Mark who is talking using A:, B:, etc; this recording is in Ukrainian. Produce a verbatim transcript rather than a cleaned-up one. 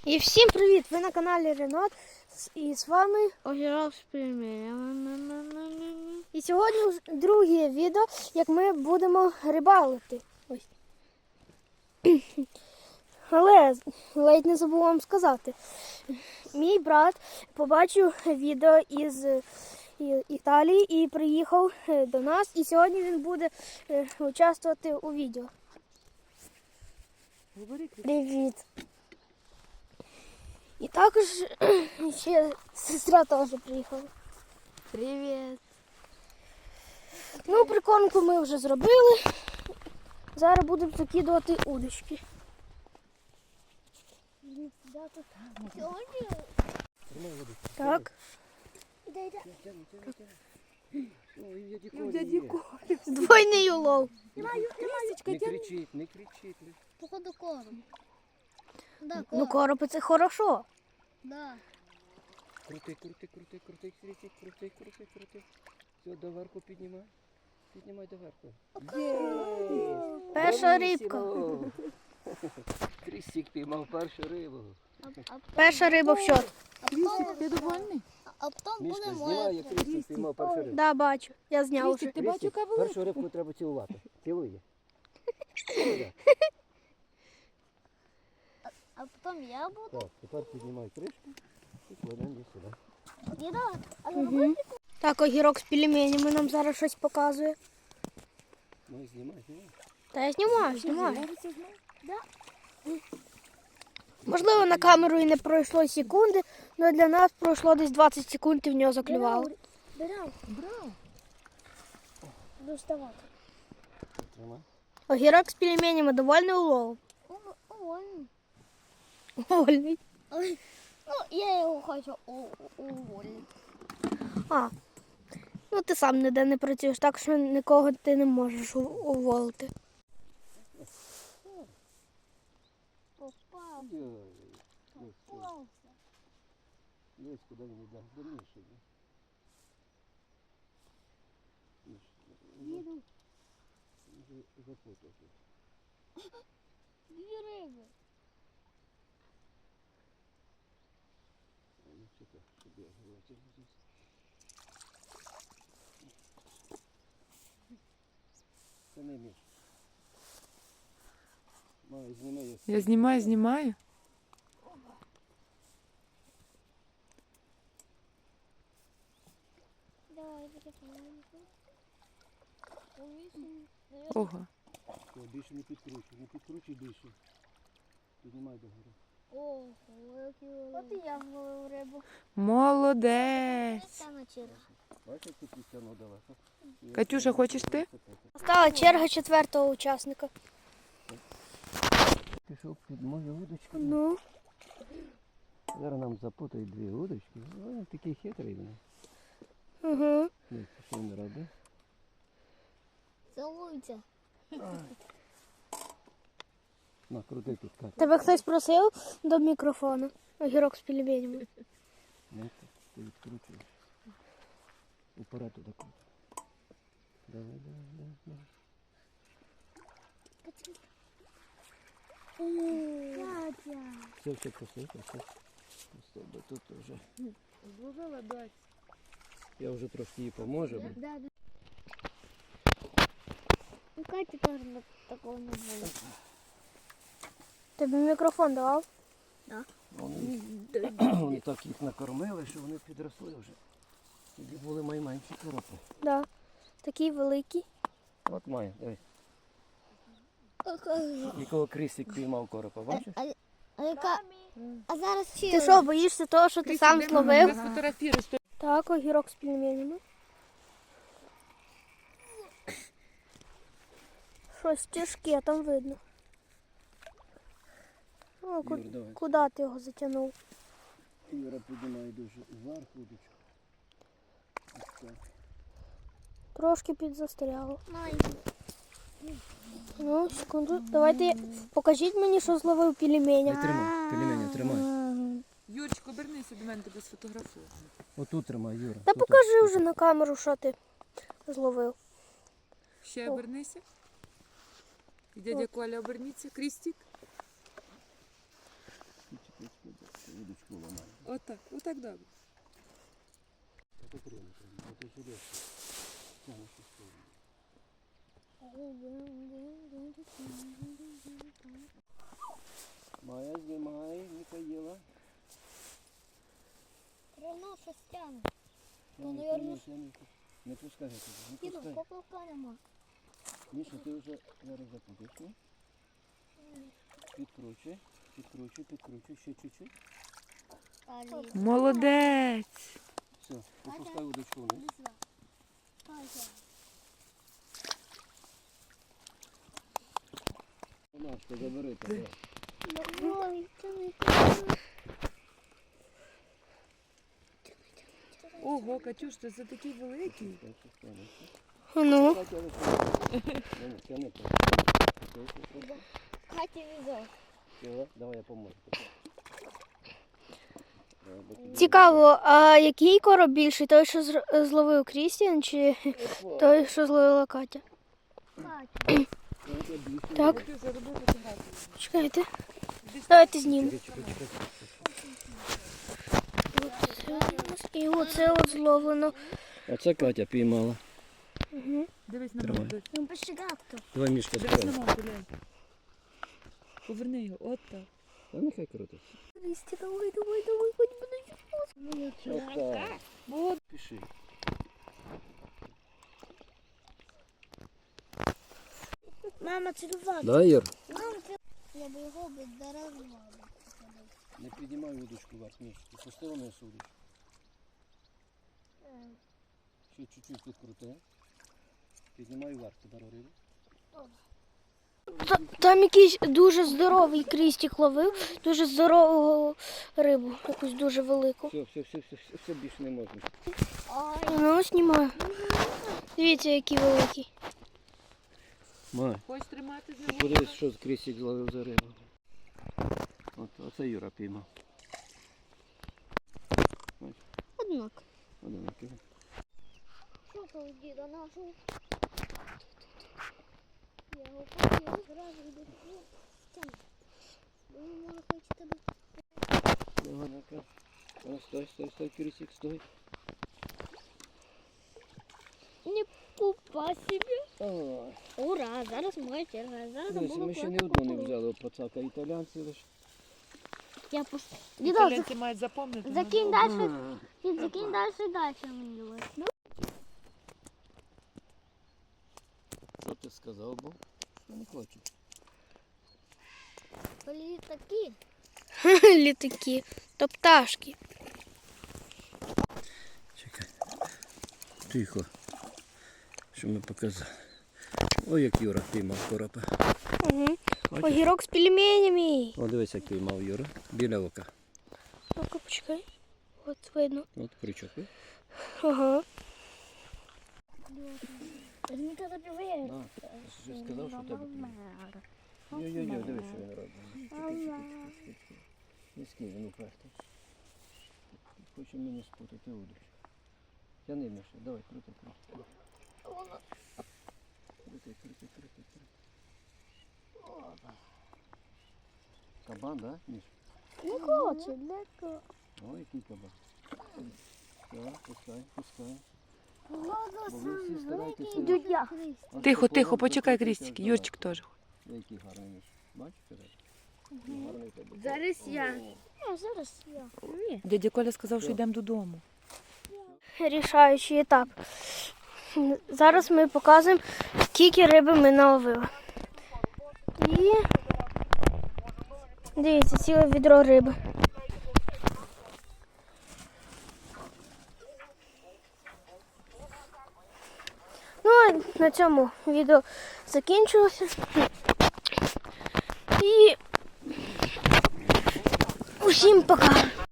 A: І всім привіт! Ви на каналі Ренат. І з вами
B: Огірок з пельменями.
A: І сьогодні вже друге відео, як ми будемо рибалити. Ось. Але ледь не забув вам сказати. Мій брат побачив відео із Італії і приїхав до нас. І сьогодні він буде участвувати у відео. Привіт! І також ще сестра теж приїхала.
B: Привіт.
A: Ну, прикормку ми вже зробили. Зараз будемо закидувати удочки. Так. Двойний улов.
C: Не кричіть, не кричіть.
B: Походу корм. Да, корм.
A: Ну, коропи це хорошо.
B: Да.
C: Крути, крути, крути, крути, крути, крути, крути, крути. Все, доверху піднімай. Піднімай доверху. Є!
A: Перша рибка.
C: Крістик піймав першу рибу.
B: А, а,
A: Перша риба в счет.
B: а потім, ти довольний? А потім буде
C: Мішка,
B: моя.
C: знімай, як Крістик піймав першу рибу.
A: Да, бачу. Я зняв вже.
B: Ти бачу, яка велика?
C: Першу рибку треба цілувати. Цілуй її. Цілуй.
B: А потім я буду.
C: Так, тепер піднімай кришку і кладемо її сюди.
B: Діда, а
A: Угу. Так, огірок з пельменями нам зараз щось показує.
C: Ну, знімай, знімай.
A: Та я знімаю, знімаю. Можливо, на камеру і не пройшло секунди, але для нас пройшло десь двадцять секунд і в нього заклювало.
B: Брав, брав. Буду вставати.
C: Тримай.
A: Огірок з пельменями довольний уловом.
B: Увольний.
A: Вольний.
B: Ну, я його хочу увольнити.
A: А, ну ти сам ніде не працюєш, так що нікого ти не можеш у- уволити.
B: Попав.
C: Йой, ось, ось.
B: Попався.
C: Десь куди він йде. До Міші йде. Міш,
B: Їду.
C: вже запутав тут.
B: Дві риби.
C: Ну, чекай, щоб я витягнув здесь. Це не Міш. Май, зніми їх.
D: Я знімаю, знімаю.
B: Давай, закидуємо.
D: Ого.
C: Все, більше не підкручуй, не підкручуй більше. Піднімай догори.
B: Ого, який великий. От і я вловив рибу.
D: Молодець.
B: Саме через.
C: Бачиш, як ти підтягнув далеко?
D: Катюша, хочеш ти?
A: Стала черга четвертого учасника.
C: Пішов під мою удочку.
A: Ну,
C: Зараз нам запутають дві удочки. Ой, такий хитрий він.
A: угу.
C: Ні, що він робить?
B: Целуйте.
C: На, крути тут, Катя.
A: Тебе хтось просив до мікрофону. Огірок з пельменями.
C: Ну, ти відкручуєш. Уперед туди крути. Давай, давай, давай, давай.
B: Катя.
C: Все, все, посипай, все. Стоп, тут вже.
D: Зловила дать.
C: Я вже трошки їй поможу. бо
B: Да, да. У Каті теж такого не було.
A: Тобі мікрофон давав?
C: Вони, вони так їх накормили, що вони підросли вже. Тоді були найменші коропи.
A: Да. Такий великий.
C: От має, дивись. Якого Крістик піймав коропа, бачиш?
B: А, а яка? А зараз чи?
A: Ти що, боїшся того, що ти сам зловив?
D: Сфотографіруєш.
A: Так, огірок з пельменями. Щось тяжке там видно. О, ку-
C: Юр, давай.
A: куди ти його затягнув?
C: Юра піднімає дуже вверх удочку. Ось так.
A: Трошки підзастряло.
B: Май.
A: Ну, секунду. Давайте покажіть мені, що зловив пельменя.
C: Тримай, пельменя, тримай.
D: Юрчик, обернися до мене, тебе сфотографую.
C: Отут тримай, Юра.
A: Та
C: тут,
A: покажи
C: тут.
A: вже на камеру, що ти зловив.
D: Ще обернися. І дядя Коля оберніться. Крістік.
C: Чекай, чекай,
D: Отак, отак добре.
C: Это прямо, это железо. Тянешь в сторону. Майя, знімай, Михаїла.
B: Рано щось тягне.
C: Ну,
B: наверно,
C: не, не пускай этого, не
B: Діду,
C: пускай.
B: поплавка нема.
C: Міша, ти вже зараз запутаєш, ні? Підкручуй, підкручуй, підкручуй, ще чуть-чуть.
B: Алі.
D: Молодець.
C: Все, опускай удочку вниз.
B: Катя.
C: Машка, забери тебе.
B: Ой, тяни,
D: Ого, Катюш, ти за такий великий.
A: Ну,
C: Тяни, тяни.
B: Катя візок.
C: Все, давай я поможу.
A: цікаво, а який короб більший? Той, що зр- зловив Крістіан, чи той, що зловила Катя?
B: Катя.
A: Так,
D: Катюша, роби фотографію.
A: чекайте. Давайте знімемо.
C: Чекай, чекай, чекай.
A: І оце от зловлено.
C: А це Катя піймала.
A: Угу.
D: Дивись на
C: Тримай.
D: маму. дивись.
B: Ну, пощегавто.
C: Давай, Мішка,
D: Дивись на
C: справа.
D: маму, глянь. Поверни його, от так.
C: Та нехай крутить.
A: Крісті, давай, давай, давай, хоч буде.
C: Отак.
D: От.
C: Пиши.
B: Мама, цілувати.
C: Да, Ір?
B: Мама, це... Я би його би дарувала.
C: Не піднімай удочку вверх, Міш. Ти пустила на удочку. Ще чуть-чуть підкрути. Піднімай вверх, тепер рибу.
A: Та- Там якийсь дуже здоровий Крістік ловив, дуже здорову рибу, якусь дуже велику.
C: Все, все, все, все, все, все більше не можна.
B: Ой,
A: Ну, знімаю. Дивіться, який великий.
C: Май,
D: Хочеш тримати з
C: ти
D: ним?
C: подивись, що Крістік зловив за рибу. От, оце Юра піймав.
B: однак.
C: Одинакий.
B: Що то у діда нашого? Я його хотів зразу йду. Тяни. Бо він може хоче тебе.
C: Давай, ну-ка. А, стой, стой, стой, Крістік, стой.
B: Не пупа собі.
C: Ой.
B: Ура, зараз моя черга. Зараз
C: Дивись, ми ще ні одну не взяли пацака, італійці лише.
B: Я пуш... Діда,
D: Італійці мають запомнити.
B: закинь
D: на-
B: далі. Дід, закинь далі, далі мені давай.
C: Що ти сказав, бо? Я не хочу.
B: Літаки.
A: Літаки. То пташки.
C: Чекай. Тихо. Що ми показали. Ой, як Юра піймав коропа.
A: Угу.
C: Бачиш?
A: Огірок з пельменями.
C: О, дивись, як піймав Юра. Біля ока.
A: Ну-ка, почекай. От видно.
C: От крючок. ви?
A: Ага.
B: Візьми тебе півер.
C: А, я ж сказав, що в тебе клює. Йо-йо-йо, дивись, що він робить. Низький він упертий. Хоче мені спутати удочку. Тяни, Міша, давай, крути, крути. Крути, крути, крути, крути. Опа. Кабан, да, Міш?
B: Не хоче, для кого?
C: Ой, який кабан. Все, пускай, пускай. Бо
B: Голос
C: ви всі старайтеся.
B: дудя.
C: Ось
D: Тихо,
C: такого
D: тихо, почекай,
C: закрутити
D: Крістік.
C: аж
D: Юрчик теж.
C: до- Який гарний Міш. Бачиш, Тереза? Гарний тебе.
D: Зараз я.
B: Ні, зараз я. Ні.
D: Дядя Коля сказав, що йдемо додому.
A: Рішаючий етап. Зараз ми показуємо, скільки риби ми наловили. І дивіться, ціле відро риби. Ну, а на цьому відео закінчилося. І усім пока!